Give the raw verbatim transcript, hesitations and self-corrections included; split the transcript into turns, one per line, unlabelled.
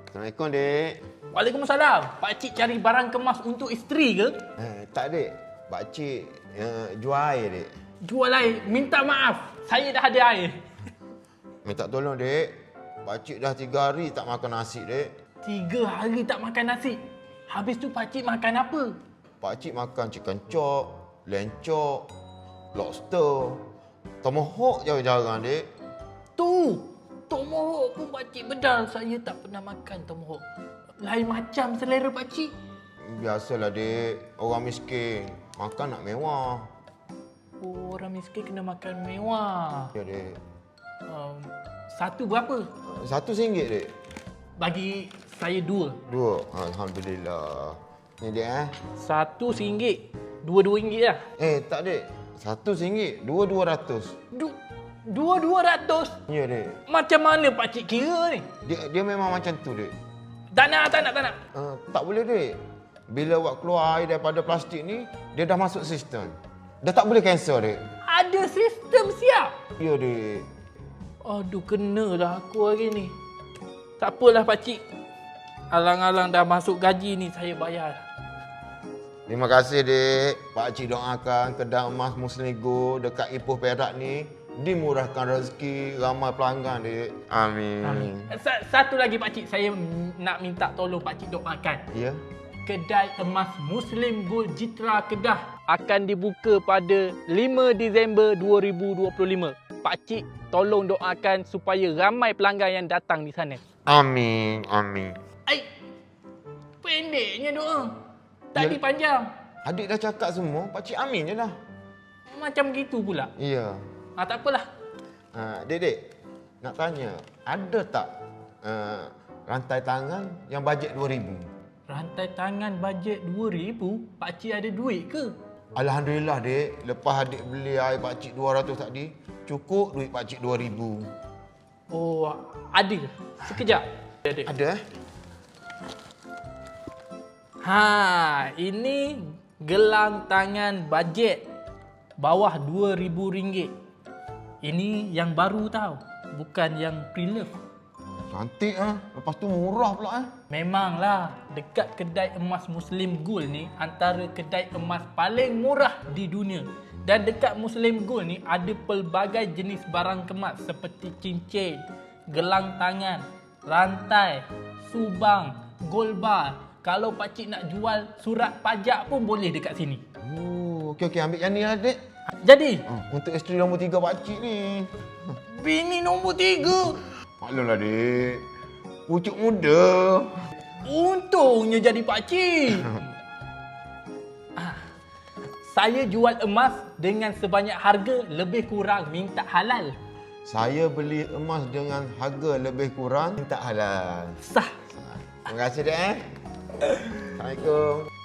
Assalamualaikum, Dek.
Waalaikumsalam. Pakcik cari barang kemas untuk isteri ke?
Eh, tak, Dek. Pakcik uh, jual air, Dek.
Jual air. Minta maaf. Saya dah ada air.
Minta tolong, Dek. Pakcik dah tiga hari tak makan nasi, Dek.
Tiga hari tak makan nasi. Habis tu pakcik makan apa?
Pakcik makan chicken chop, lamb chop, lobster. Tomahawk jarang-jarang, Dek.
Tu. Tomahawk pun pakcik bedal. Saya tak pernah makan tomahawk. Lain macam selera pakcik.
Biasalah, Dek. Orang miskin. Makan nak mewah.
Oh, orang miskin kena makan mewah.
Ya, Dek.
Um, satu berapa?
Satu singgit, Dek.
Bagi saya dua.
Dua. Alhamdulillah. Ni, Dek, eh.
Satu singgit. Dua-dua ringgit lah.
Eh, tak, Dek. Satu singgit. Dua dua ratus.
Du Dua-dua ratus?
Ya, Dek.
Macam mana pakcik kira ni?
Dia, dia memang macam tu, Dek.
Tak nak, tak nak, tak nak.
Uh, tak boleh, Dek. Bila awak keluar air daripada plastik ni, dia dah masuk sistem. Dah tak boleh cancel, Dek.
Ada sistem siap.
Ya, Dek.
Aduh, kenalah aku hari ni. Tak apalah pakcik. Alang-alang dah masuk gaji ni, saya bayar.
Terima kasih, Dek. Pakcik doakan kedai emas Muslim Gold dekat Ipoh Perak ni dimurahkan rezeki, ramai pelanggan, Dek. Amin.
Amin. Sa- Satu lagi pakcik, saya nak minta tolong pakcik doakan.
Ya?
Kedai emas Muslim Gold Jitra Kedah akan dibuka pada lima Disember dua ribu dua puluh lima. Pakcik tolong doakan supaya ramai pelanggan yang datang di sana.
Amin. Amin.
Ai, pendeknya doa. Tadi
Ya.
panjang.
Adik dah cakap semua, pakcik amin je lah.
Macam gitu pula.
Ya.
Ah, tak apalah.
Uh, Dek, Dek. Nak tanya, ada tak uh, rantai tangan yang bajet dua ribu?
Rantai tangan bajet dua ribu, pakcik ada duit ke?
Alhamdulillah, Dek. Lepas adik beli air pakcik dua ratus tadi, cukup duit pakcik dua ribu.
Oh, ada. Sekejap. Ada.
Ada, eh?
Ha, ini gelang tangan bajet bawah dua ribu ringgit. Ini yang baru tau, bukan yang pre-love.
Cantik, ah. Lepas tu murah pula, eh?
Memanglah, dekat kedai emas Muslim Gold ni antara kedai emas paling murah di dunia. Dan dekat Muslim Gold ni ada pelbagai jenis barang kemas seperti cincin, gelang tangan, rantai, subang, gold bar. Kalau pakcik nak jual surat pajak pun boleh dekat sini.
Oh, okey, okey. Ambil yang ni lah, Dek.
Jadi,
Oh, untuk isteri nombor tiga pakcik ni.
bini nombor tiga.
Maklumlah, Dek. Pucuk muda.
Untungnya jadi pakcik. Ah, saya jual emas dengan sebanyak harga lebih kurang minta halal.
Saya beli emas dengan harga lebih kurang minta halal.
Sah.
Terima kasih, Dek, eh. Assalamualaikum.